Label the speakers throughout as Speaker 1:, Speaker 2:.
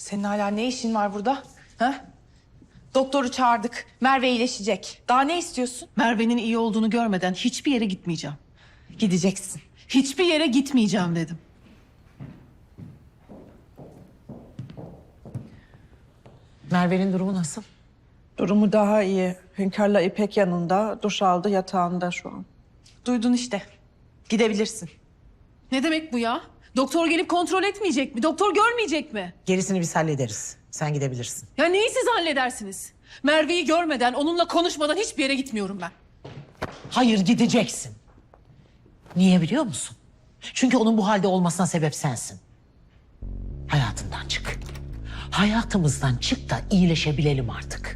Speaker 1: Senin hala ne işin var burada? Ha? Doktoru çağırdık. Merve iyileşecek. Daha ne istiyorsun?
Speaker 2: Merve'nin iyi olduğunu görmeden hiçbir yere gitmeyeceğim.
Speaker 1: Gideceksin.
Speaker 2: Hiçbir yere gitmeyeceğim dedim.
Speaker 3: Merve'nin durumu nasıl?
Speaker 4: Durumu daha iyi. Hünkâr'la İpek yanında, duş aldı, yatağında şu an.
Speaker 1: Duydun işte. Gidebilirsin.
Speaker 2: Ne demek bu ya? Doktor gelip kontrol etmeyecek mi? Doktor görmeyecek mi?
Speaker 3: Gerisini biz hallederiz. Sen gidebilirsin.
Speaker 2: Ya neyi siz halledersiniz? Merve'yi görmeden, onunla konuşmadan hiçbir yere gitmiyorum ben.
Speaker 3: Hayır, gideceksin. Niye biliyor musun? Çünkü onun bu halde olmasına sebep sensin. Hayatından çık. Hayatımızdan çık da iyileşebilelim artık.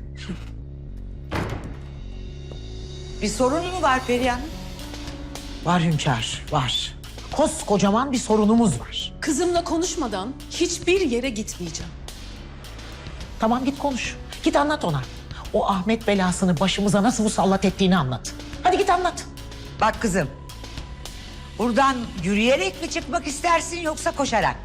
Speaker 5: Bir sorun mu var Perihan?
Speaker 3: Var Hünkâr, var. Koskocaman bir sorunumuz var.
Speaker 2: Kızımla konuşmadan hiçbir yere gitmeyeceğim.
Speaker 3: Tamam, git konuş. Git anlat ona. O Ahmet belasını başımıza nasıl musallat ettiğini anlat. Hadi git anlat.
Speaker 5: Bak kızım. Buradan yürüyerek mi çıkmak istersin yoksa koşarak?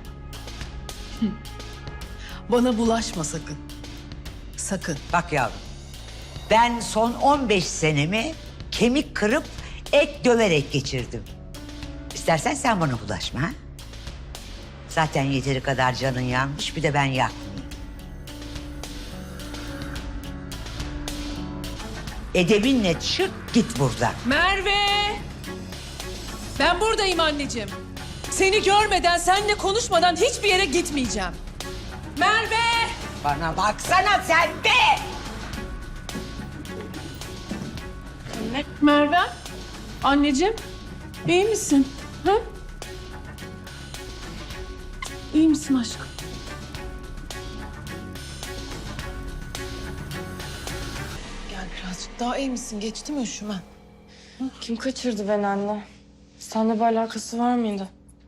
Speaker 2: Bana bulaşma sakın. Sakın.
Speaker 5: Bak yavrum. Ben son 15 senemi kemik kırıp et döverek geçirdim. İstersen sen bana bulaşma ha? Zaten yeteri kadar canın yanmış, bir de ben yakmayayım. Edebinle çık git buradan.
Speaker 2: Merve! Ben buradayım anneciğim. Seni görmeden, seninle konuşmadan hiçbir yere gitmeyeceğim. Merve!
Speaker 5: Bana baksana sen be!
Speaker 2: Merve? Anneciğim, iyi misin? Ha? İyi misin aşkım? Gel birazcık daha iyi misin? Geçti mi üşümen?
Speaker 6: Kim kaçırdı beni anne? Seninle bir alakası var mıydı?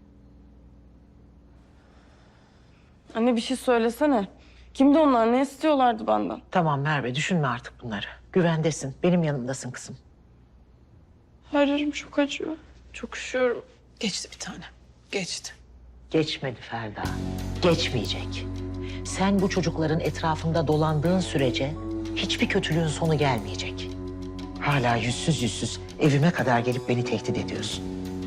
Speaker 6: Anne bir şey söylesene. Kimdi onlar? Ne istiyorlardı benden?
Speaker 3: Tamam Merve, düşünme artık bunları. Güvendesin, benim yanımdasın kızım.
Speaker 6: Her yerim çok acıyor. Çok üşüyorum.
Speaker 2: Geçti bir tane. Geçti.
Speaker 3: Geçmedi Ferda, geçmeyecek. Sen bu çocukların etrafında dolandığın sürece hiçbir kötülüğün sonu gelmeyecek. Hala yüzsüz evime kadar gelip beni tehdit ediyorsun.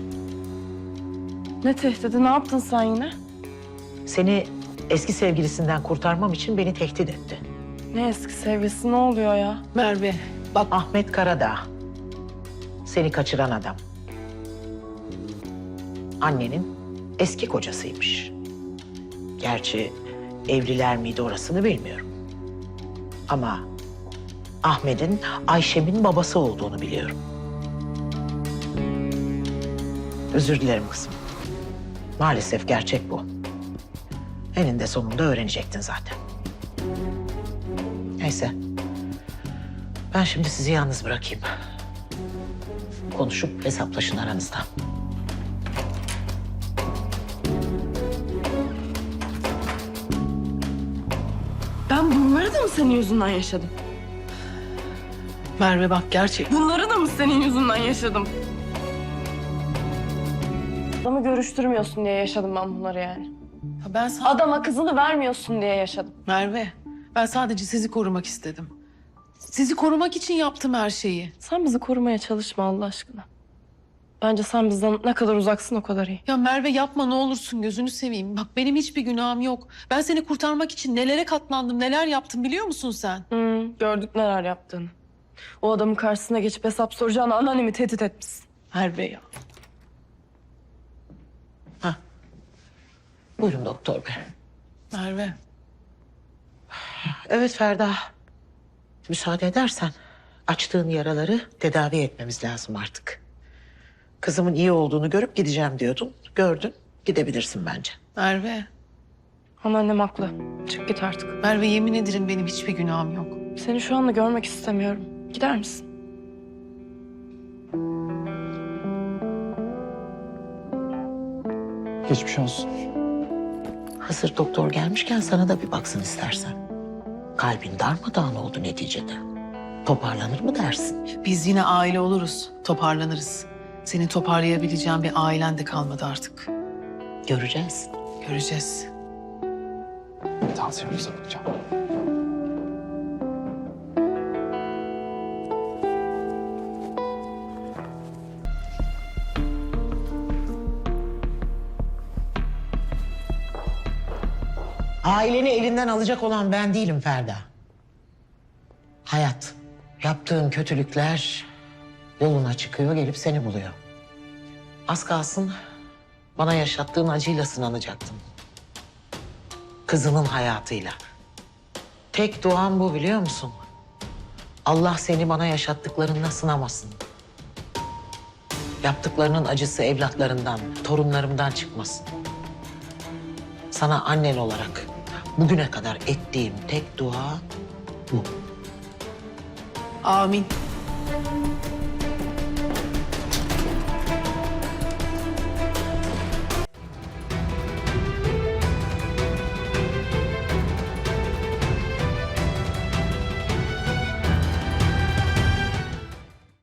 Speaker 6: Ne tehdidi? Ne yaptın sen yine?
Speaker 3: Seni eski sevgilisinden kurtarmam için beni tehdit etti.
Speaker 6: Ne eski sevgilisi? Ne oluyor ya?
Speaker 2: Merve,
Speaker 3: Bak Ahmet Karadağ, seni kaçıran adam. Annenin eski kocasıymış. Gerçi evliler miydi orasını bilmiyorum. Ama Ahmet'in Ayşem'in babası olduğunu biliyorum. Özür dilerim kızım. Maalesef gerçek bu. Eninde sonunda öğrenecektin zaten. Neyse. Ben şimdi sizi yalnız bırakayım. Konuşup hesaplaşın aranızda.
Speaker 6: Ben bunları da mı senin yüzünden yaşadım?
Speaker 2: Merve bak gerçek.
Speaker 6: Bunları da mı senin yüzünden yaşadım? Adamı görüştürmüyorsun diye yaşadım ben bunları yani.
Speaker 2: Ya ben
Speaker 6: Adama kızını vermiyorsun diye yaşadım.
Speaker 2: Merve, ben sadece sizi korumak istedim. Sizi korumak için yaptım her şeyi.
Speaker 6: Sen bizi korumaya çalışma Allah aşkına. Bence sen bizden ne kadar uzaksın o kadar iyi.
Speaker 2: Ya Merve yapma ne olursun gözünü seveyim. Bak benim hiçbir günahım yok. Ben seni kurtarmak için nelere katlandım, neler yaptım biliyor musun sen?
Speaker 6: Gördük neler yaptığını. O adamın karşısına geçip hesap soracağını anneannemi tehdit etmişsin.
Speaker 2: Merve ya.
Speaker 3: Buyurun doktor bey.
Speaker 2: Merve.
Speaker 3: Evet Ferda. Müsaade edersen açtığın yaraları tedavi etmemiz lazım artık. Kızımın iyi olduğunu görüp gideceğim diyordun. Gördün. Gidebilirsin bence.
Speaker 2: Merve.
Speaker 6: Anneannem haklı. Çık git artık.
Speaker 2: Merve yemin ederim benim hiçbir günahım yok.
Speaker 6: Seni şu anda görmek istemiyorum. Gider misin?
Speaker 7: Geçmiş olsun.
Speaker 3: Hazır doktor gelmişken sana da bir baksın istersen. Kalbin darmadağın oldu neticede. Toparlanır mı dersin?
Speaker 2: Biz yine aile oluruz, toparlanırız. Seni toparlayabileceğin bir ailen de kalmadı artık.
Speaker 3: Göreceğiz.
Speaker 2: Göreceğiz.
Speaker 7: Tansiyonunuza bakacağım.
Speaker 3: Aileni elinden alacak olan ben değilim Ferda. Hayat. Yaptığın kötülükler yoluna çıkıyor, gelip seni buluyor. Az kalsın bana yaşattığın acıyla sınanacaktım. Kızının hayatıyla. Tek duam bu, biliyor musun? Allah seni bana yaşattıklarınla sınamasın. Yaptıklarının acısı evlatlarından, torunlarımdan çıkmasın. Sana annen olarak bugüne kadar ettiğim tek dua bu.
Speaker 2: Amin.